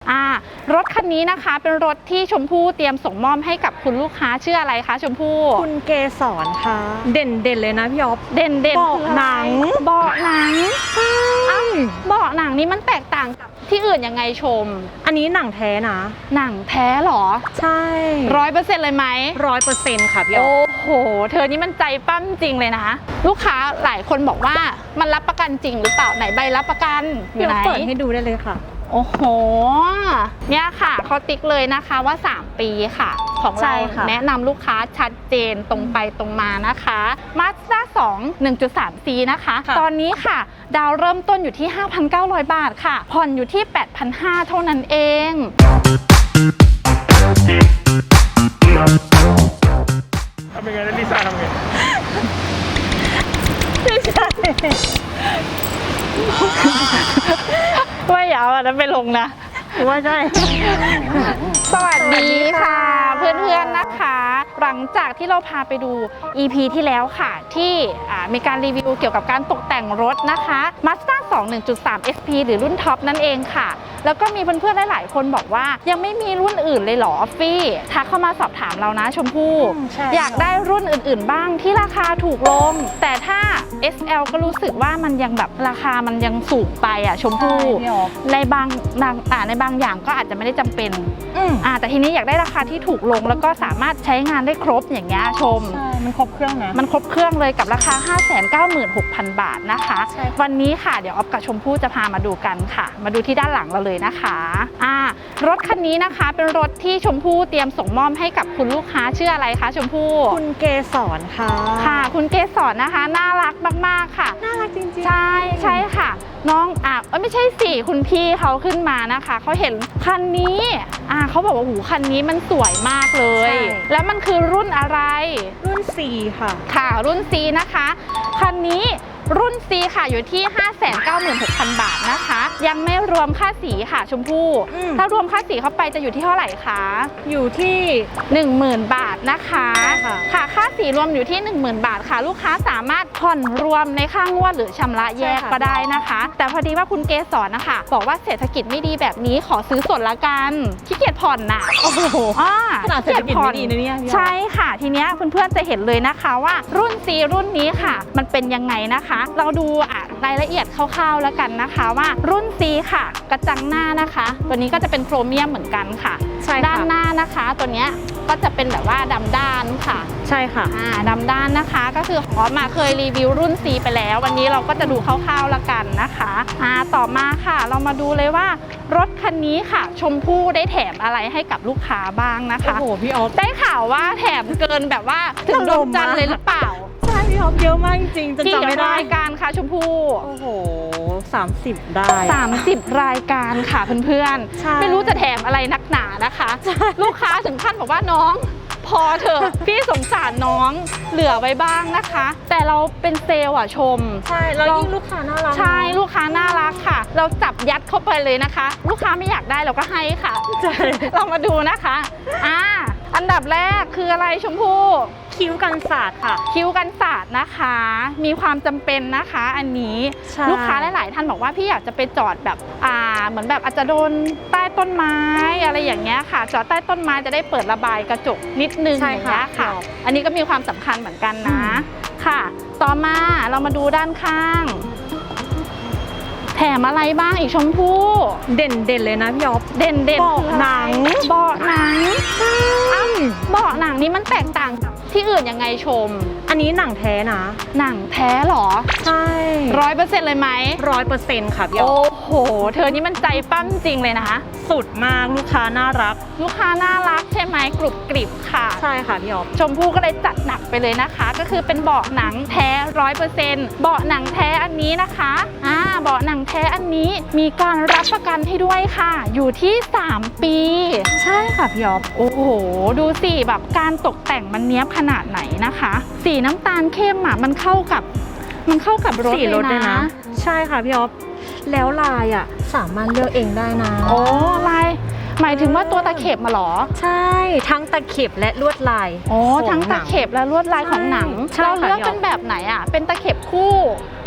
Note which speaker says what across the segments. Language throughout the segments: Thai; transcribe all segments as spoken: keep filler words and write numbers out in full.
Speaker 1: อ่ารถคันนี้นะคะเป็นรถที่ชมพู่เตรียมส่งมอบให้กับคุณลูกค้าชื่ออะไรคะชมพู่
Speaker 2: คุณเกสรค่ะเด่นเด่นเลยนะพี่อ๊อฟ
Speaker 1: เด่นเด่น
Speaker 2: เบาะหนัง
Speaker 1: เบาะหนังใช่เบาะหนังนี้มันแตกต่างกับที่อื่นยังไงชม
Speaker 2: อันนี้หนังแท้นะ
Speaker 1: หนังแท้หรอ
Speaker 2: ใช่
Speaker 1: ร้อยเปอร์เซ็นต์เลยไหม
Speaker 2: ร้อยเปอร์เซ็นต์ค่ะพี่อ๊อฟ
Speaker 1: โอ้โหเธอนี่มันใจปั้มจริงเลยนะลูกค้าหลายคนบอกว่ามันรับประกันจริงหรือเปล่าไหนใบรับประกันอยู่ไหน
Speaker 2: เปิดให้ดูได้เลยค่ะ
Speaker 1: โอ้โหเนี่ยค่ะเขาติ๊กเลยนะคะว่าสามปีค่ะของเราแนะนำลูกค้าชัดเจนตรงไปตรงมานะคะ Mazda สอง หนึ่งจุดสาม ซี นะคะตอนนี้ค่ะดาวเริ่มต้นอยู่ที่ ห้าพันเก้าร้อย บาทค่ะผ่อนอยู่ที่ แปดพันห้าร้อย เท่านั้นเอง
Speaker 3: ทำยังไงนะลิซ่าทำไง
Speaker 1: ไม่ใช่ว่าอย่าเอาอันนั้นไปลงนะ
Speaker 2: ว่าใช่
Speaker 1: สวัสดีค่ะเพื่อนๆนะคะหลังจากที่เราพาไปดู อี พี ที่แล้วค่ะที่มีการรีวิวเกี่ยวกับการตกแต่งรถนะคะ Mazda สอง หนึ่งจุดสาม เอส พี หรือรุ่นท็อปนั่นเองค่ะแล้วก็มีเพื่อนๆหลายๆคนบอกว่ายังไม่มีรุ่นอื่นเลยเหรอฟี่ทักเข้ามาสอบถามเรานะชมพู่อยากได้รุ่นอื่นๆบ้างที่ราคาถูกลงแต่ถ้า เอส แอล ก็รู้สึกว่ามันยังแบบราคามันยังสูงไปอ่ะชมพู่ในบางในบางอย่างก็อาจจะไม่ได้จำเป็นอ่าแต่ทีนี้อยากได้ราคาที่ถูกลงแล้วก็สามารถใช้งานได้ครบอย่างเงี้ยชม
Speaker 2: ใช่มันครบเครื่องนะ
Speaker 1: มันครบเครื่องเลยกับราคา ห้าแสนเก้าหมื่นหกพัน บาทนะคะวันนี้ค่ะเดี๋ยวออฟกับชมพู่จะพามาดูกันค่ะมาดูที่ด้านหลังเราเลยนะคะอ่ารถคันนี้นะคะเป็นรถที่ชมพู่เตรียมส่งมอบให้กับคุณลูกค้าชื่ออะไรคะชมพู่
Speaker 2: คุณเกสรค่ะ
Speaker 1: ค่ะคุณเกสรนะคะน่ารักมากๆค่ะ
Speaker 2: น่ารักจริงๆ
Speaker 1: ใช่ใช่ค่ะน้องอ่ะไม่ใช่สิคุณพี่เขาขึ้นมานะคะเขาเห็นคันนี้อ่าเขาบอกว่าหูคันนี้มันสวยมากเลยแล้วมันคือรุ่นอะไร
Speaker 2: รุ่น C ค่ะ
Speaker 1: ค่ะรุ่น C นะคะคันนี้รุ่น C ค่ะอยู่ที่ ห้าแสนเก้าหมื่นหกพัน บาทนะคะยังไม่รวมค่าสีค่ะชมพู่ถ้ารวมค่าสีเข้าไปจะอยู่ที่เท่าไหร่คะ
Speaker 2: อยู่ที่
Speaker 1: หนึ่งหมื่น บาทนะคะค่ะค่าสีรวมอยู่ที่ หนึ่งหมื่น บาทค่ะลูกค้าสามารถผ่อนรวมในค่างวดหรือชำระแยกก็ได้นะคะแต่พอดีว่าคุณเกสรนะคะบอกว่าเศรษฐกิจไม่ดีแบบนี้ขอซื้อสดละกันขี้เกียจผ่อนน่ะ
Speaker 2: โอ้โห
Speaker 1: ขนาดเศรษฐกิจไม่ดีนะเนี่ยใช่ค่ะทีเนี้ยเพื่อนๆจะเห็นเลยนะคะว่ารุ่น C รุ่นนี้ค่ะมันเป็นยังไงนะคะเราดูรายละเอียดคร่าวๆแล้วกันนะคะว่ารุ่น C ค่ะกระจังหน้านะคะตัวนี้ก็จะเป็นโครเมียมเหมือนกันค่ะด้านหน้านะคะตัวเนี้ยก็จะเป็นแบบว่าดำด้านค่ะ
Speaker 2: ใช่ค่ะ
Speaker 1: อ่าดำด้านนะคะก็คือของออฟมาเคยรีวิวรุ่น C ไปแล้ววันนี้เราก็จะดูคร่าวๆแล้วกันนะคะอ่าต่อมาค่ะเรามาดูเลยว่ารถคันนี้ค่ะชมพู่ได้แถมอะไรให้กับลูกค้าบ้างนะคะ
Speaker 2: โอ้โหพี่ออฟ
Speaker 1: ได้ข่าวว่าแถมเกินแบบว่าถึงดวงจันทร์เลยหรือเปล่า
Speaker 2: ใช่พี่ออฟเยอะมากจริงจนจำไม่ได้
Speaker 1: รายการค่ะชมพู่
Speaker 2: โอ้โหสามสิบได้
Speaker 1: สามสิบรายการค่ะเพื่อนๆไม่รู้จะแถมอะไรนักหนานะคะลูกค้าถึงขั้นบอกว่าน้องพอเถอะพี่สงสารน้องเหลือไว้บ้างนะคะแต่เราเป็นเซลล์อ่ะชม
Speaker 2: ใช่แล้วยิ่งลูกค้าน่ารัก
Speaker 1: ใช่ลูกค้าน่ารักค่ะเราจับยัดเข้าไปเลยนะคะลูกค้าไม่อยากได้เราก็ให้ค่ะ
Speaker 2: ใช่
Speaker 1: เรามาดูนะคะอ่าอันดับแรกคืออะไรชมพู่
Speaker 2: คิ้วกันศาสตร์ค่ะ
Speaker 1: คิ้วกันศาสตร์นะคะมีความจำเป็นนะคะอันนี้ลูกค้าหลายๆท่านบอกว่าพี่อยากจะไปจอดแบบอ่าเหมือนแบบอาจจะโดนใต้ต้นไม้อะไรอย่างเงี้ยค่ะจอดใต้ต้นไม้จะได้เปิดระบายกระจกนิดนึงอย่างเงี้ยค่ะอันนี้ก็มีความสำคัญเหมือนกันนะค่ะต่อมาเรามาดูด้านข้างแถมอะไรบ้างอีกชมพู่
Speaker 2: เด่นเด่นเลยนะพี่อ๊อฟ
Speaker 1: เด่นเด่น
Speaker 2: เบาะหนัง
Speaker 1: เบาะหนังอ้ำเบาะหนังนี้มันแตกต่างกับที่อื่นยังไงชม
Speaker 2: อันนี้หนังแท้นะ
Speaker 1: หนังแท้หรอ
Speaker 2: ใช่
Speaker 1: ร้อยเปอร์เซ็นต์เลยไหม
Speaker 2: ร้อยเปอร์เซ็นต์ค่ะพี่อ๊อฟ
Speaker 1: โอ้โหเธอนี่มันใจปั้มจริงเลยนะคะ
Speaker 2: สุดมากลูกค้าน่ารัก
Speaker 1: ลูกค้าน่ารักใช่ไหมกรุบกริบค่ะ
Speaker 2: ใช่ค่ะพี่อ๊อฟ
Speaker 1: ชมพู่ก็เลยจัดหนักไปเลยนะคะก็คือเป็นเบาะหนังแท้ร้อยเปอร์เซ็นต์เบาะหนังแท้อันนี้นะคะอ่าเบาะหนังแท้อันนี้มีการรับประกันให้ด้วยค่ะอยู่ที่สามปี
Speaker 2: ใช่ค่ะพี่อ๊อฟ
Speaker 1: โอ้โหดูสิแบบการตกแต่งมันเนี้ยบขนาดไหนนะคะสีน้ำตาลเข้มอ่ะมันเข้ากับมันเข้ากับรถเลยนะ
Speaker 2: ใช่ค่ะพี่อ๊อฟแล้วลายอ่ะสามารถเลือกเองได้นะ
Speaker 1: โอ้ลายหมายถึงว่าตัวตะเข็บมาหรอ
Speaker 2: ใช่ทั้งตะเข็บและลวดลาย
Speaker 1: โอ้ทั้งตะเข็บและลวดลายของหนังเราเลือกเป็นแบบไหนอ่ะเป็นตะเข็บคู่เ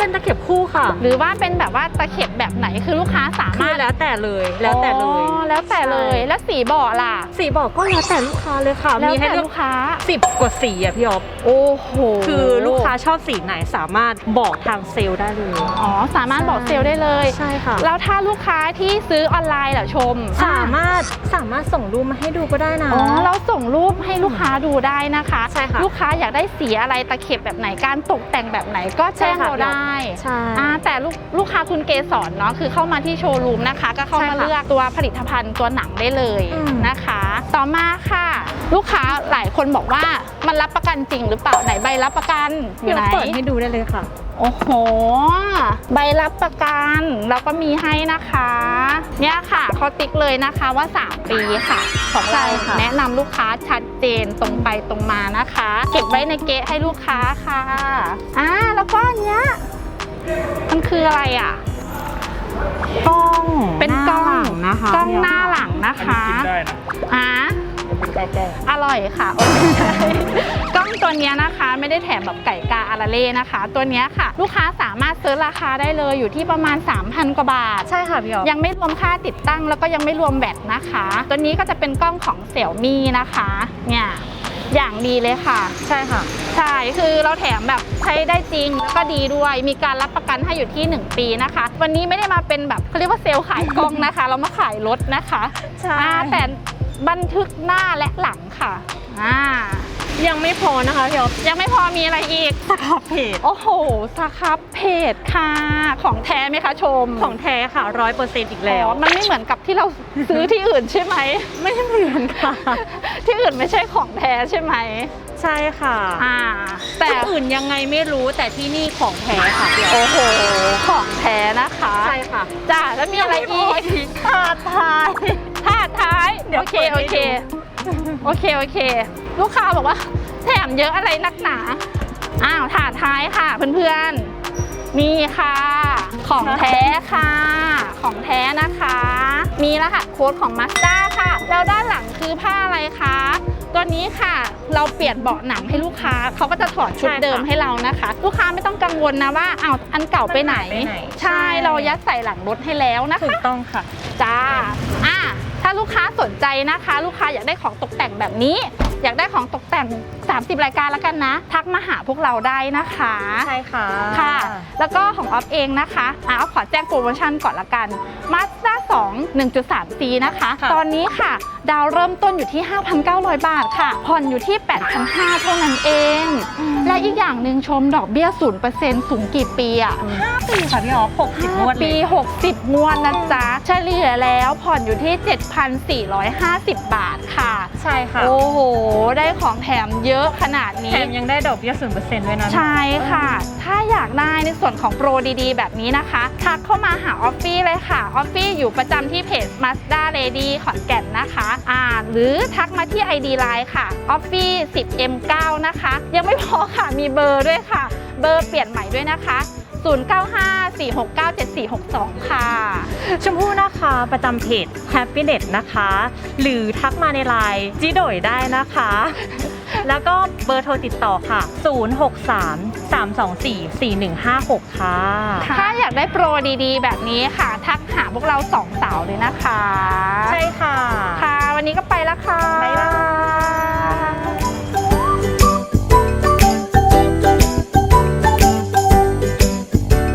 Speaker 2: เป็นตะเข็บคู่ค่ะ
Speaker 1: หรือว่าเป็นแบบว่าตะเข็บแบบไหนคือลูกค้าสา
Speaker 2: คื
Speaker 1: มา
Speaker 2: อ
Speaker 1: รถ
Speaker 2: แล้วแต่เลยแล้วแต่เลย
Speaker 1: อ๋อแล้วแต่เลยแล้วสีเบาะล่ะ
Speaker 2: สีบอกก็แล้วแต่ลูกค้าเลยค่ะ
Speaker 1: แล้ว
Speaker 2: มีให้
Speaker 1: แต่
Speaker 2: เลือก
Speaker 1: ลูกค้า
Speaker 2: สิบกว่าสีอะพี่อ๊อฟ
Speaker 1: โอ้โห
Speaker 2: คือลูกค้าชอบสีไหนสามารถบอกทางเซลล์ได้เลย
Speaker 1: อ๋อสามารถบอกเซลล์ได้เลย
Speaker 2: ใช่ค่ะ
Speaker 1: แล้วถ้าลูกค้าที่ซื้อออนไลน์เหรอชม
Speaker 2: สามารถสามารถส่งรูปมาให้ดูก็ได้นะ
Speaker 1: อ๋อเราส่งรูปให้ลูกค้าดูได้นะคะ
Speaker 2: ใช่ค่ะ
Speaker 1: ลูกค้าอยากได้สีอะไรตะเข็บแบบไหนการตกแต่งแบบไหนก็แจ้ง
Speaker 2: ใช่ค่ะ
Speaker 1: เราได้
Speaker 2: ใช่
Speaker 1: อ่าแต่ลูกลูกค้าคุณเกสรเนาะคือเข้ามาที่โชว์รูมนะคะ ก็เข้า
Speaker 2: ใช่
Speaker 1: มา
Speaker 2: ค่ะ
Speaker 1: เลือกตัวผลิตภัณฑ์ตัวหนังได้เลย
Speaker 2: อืม
Speaker 1: นะคะ ต่อมาค่ะ ลูกค้าหลายคนบอกว่ามันรับประกันจริงหรือเปล่าไหนใบรับประกันอ
Speaker 2: เดี๋
Speaker 1: ยู่
Speaker 2: ยว
Speaker 1: ไหน
Speaker 2: เปิดให้ดูได้เลยค่ะ
Speaker 1: โอ้โห ใบรับประกันเราก็มีให้นะคะ เนี่ยค่ะเขาติ๊กเลยนะคะว่า สาม ปีค่ะ ของเรา
Speaker 2: ใช่ค่ะ
Speaker 1: แนะนำลูกค้าชัดเจนตรงไปตรงมานะคะ เก็บไว้ในเก๊ะให้ลูกค้าค่ะอ่าแล้วก็อันเนี้ยมันคืออะไรอ่ะ
Speaker 2: กล้อง
Speaker 1: เป็นกล้อง
Speaker 2: หน้าหลังนะคะ
Speaker 1: กล้องหน้าหลังนะ
Speaker 3: อันนี้
Speaker 1: คะ
Speaker 3: กินได้นะ
Speaker 1: อ่า
Speaker 3: มันเป็นข้าวกล้อง
Speaker 1: อร่อยค่ะโอ้ไม่ใช่ กล้องตัวเนี้ยนะคะไม่ได้แถมแบบไก่กาอาราเล่นะคะ ตัวเนี้ยค่ะ ลูกค้าสามารถซื้อราคาได้เลยอยู่ที่ประมาณ สามพัน กว่าบาท
Speaker 2: ใช่ค่ะพี่อ๊อฟ
Speaker 1: ยังไม่รวมค่าติดตั้งแล้วก็ยังไม่รวมแบตนะคะ ตัวนี้ก็จะเป็นกล้องของเสี่ยวมี่นะคะเนี่ยอย่างดีเลยค่ะ
Speaker 2: ใช่ค่ะ
Speaker 1: ใช่คือเราแถมแบบใช้ได้จริงแล้วก็ดีด้วย มีการรับประกันให้อยู่ที่หนึ่งปีนะคะ วันนี้ไม่ได้มาเป็นแบบเขาเรียกว่าเซลล์ขายกล้องนะคะ เรามาขายรถนะคะ
Speaker 2: ใช่
Speaker 1: อ่าแต่บันทึกหน้าและหลังค่ะอ่า
Speaker 2: ยังไม่พอนะคะพี่อ๊อฟ
Speaker 1: ยังไม่พอมีอะไรอีก
Speaker 2: สครับเพจ
Speaker 1: โอ้โหสครับเพจค่ะ ของแท้ไหมคะชม
Speaker 2: ของแท้ค่ะร้อยเปอร์เซ็นต์อีกแล้ว
Speaker 1: อ๋อมันไม่เหมือนกับที่เราซื้อที่อื่นใช่ไหม
Speaker 2: ไม่เหมือนค่ะ
Speaker 1: ที่อื่นไม่ใช่ของแท้ใช่ไหม
Speaker 2: ใช่ค่ะ
Speaker 1: อ่า แต่
Speaker 2: แต่อื่นยังไงไม่รู้แต่ที่นี่ของแท้ค่ะพี่อ๊อฟ
Speaker 1: โอ้โห ของแท้นะคะ
Speaker 2: ใช่ค่ะ
Speaker 1: จ้าแล้วมีอะไรอีก
Speaker 2: ถาดท้าย
Speaker 1: ถาดท้าย
Speaker 2: เดี๋ยว
Speaker 1: โอเค
Speaker 2: เปิดให้
Speaker 1: โอเค
Speaker 2: ดู
Speaker 1: โอเค โอเค ลูกค้าบอกว่าแถมเยอะอะไรนักหนา อ้าว ถาดท้ายค่ะเพื่อนๆ นี่ค่ะ ของแท้ค่ะ ของแท้นะคะ มีรหัสโค้ดของ Mazda ค่ะ แล้วด้านหลังคือผ้าอะไรคะ ตัวนี้ค่ะเราเปลี่ยนเบาะหนังให้ลูกค้าเขาก็จะถอดชุด
Speaker 2: ใช่ค่ะ
Speaker 1: เดิมให้เรานะคะ ลูกค้าไม่ต้องกังวลนะว่าอ้าวอันเก่าไปไหน
Speaker 2: ไปไหน
Speaker 1: ใช่เรายัดใส่หลังรถให้แล้วนะคะ
Speaker 2: ถูกต้องค่ะ
Speaker 1: จ้าอ่ะถ้าลูกค้าสนใจนะคะ ลูกค้าอยากได้ของตกแต่งแบบนี้ อยากได้ของตกแต่งสามสิบรายการแล้วกันนะ ทักมาหาพวกเราได้นะคะ
Speaker 2: ใช่ค่ะ
Speaker 1: ค่ะ แล้วก็ของออฟเองนะคะอ่ะออฟขอแจ้งโปรโมชั่นก่อนละกัน Mazda สอง หนึ่งจุดสาม ซี นะคะ
Speaker 2: ค่ะ
Speaker 1: ตอนนี้ค่ะ ดาวเริ่มต้นอยู่ที่ ห้าพันเก้าร้อย บาทค่ะ ผ่อนอยู่ที่ แปดพันห้าร้อย เท่านั้นเอง และอีกอย่างหนึ่งชมดอกเบี้ย ศูนย์เปอร์เซ็นต์ สูงกี่ปีอะ
Speaker 2: ห้าปีค่ะพี่อ๋อหกสิบงวดเล
Speaker 1: ปี
Speaker 2: ย
Speaker 1: หกสิบงวดนะจ๊ะ เฉลี่ยแล้วผ่อนอยู่ที่ เจ็ดพันสี่ร้อยห้าสิบ บาทค่ะ
Speaker 2: ใช่ค่ะ
Speaker 1: โอ้โห ได้ของแถมเยอะขนาดนี้
Speaker 2: แถมยังได้ดอกเบี้ยศูนย์เปอร์เซ็นต์ด้วยนะ
Speaker 1: ใช่ค่ะ ถ้าอยากได้ในส่วนของโปรดีๆ แบบนี้นะคะ ทักเข้ามาหาออฟฟี่เลยค่ะ ออฟฟี่อยู่ประจำที่เพจ Mazda Lady ขอนแก่นนะคะอ่าหรือทักมาที่ ไอ ดี ไลน์ ค่ะ ออฟฟี่ สิบ เอ็ม เก้า นะคะ ยังไม่พอค่ะ มีเบอร์ด้วยค่ะ เบอร์เปลี่ยนใหม่ด้วยนะคะ ศูนย์ เก้า ห้า สี่ หก เก้า เจ็ด สี่ หก สอง ค่ะ
Speaker 2: ชมพู่นะคะประจำเพจ Happiness นะคะ หรือทักมาในไลน์จิโดยได้นะคะ แล้วก็เบอร์โทรติดต่อค่ะ ศูนย์ หก สาม สาม สอง สี่ สี่ หนึ่ง ห้า หก ค่ะ
Speaker 1: ถ้าอยากได้โปรดีๆ แบบนี้ค่ะ ทักหาพวกเราสองสาวเลยนะคะ
Speaker 2: ใช่ค่ะ
Speaker 1: ค่ะ วันนี้ก็ไปแล้วค่ะ
Speaker 2: บ๊ายบาย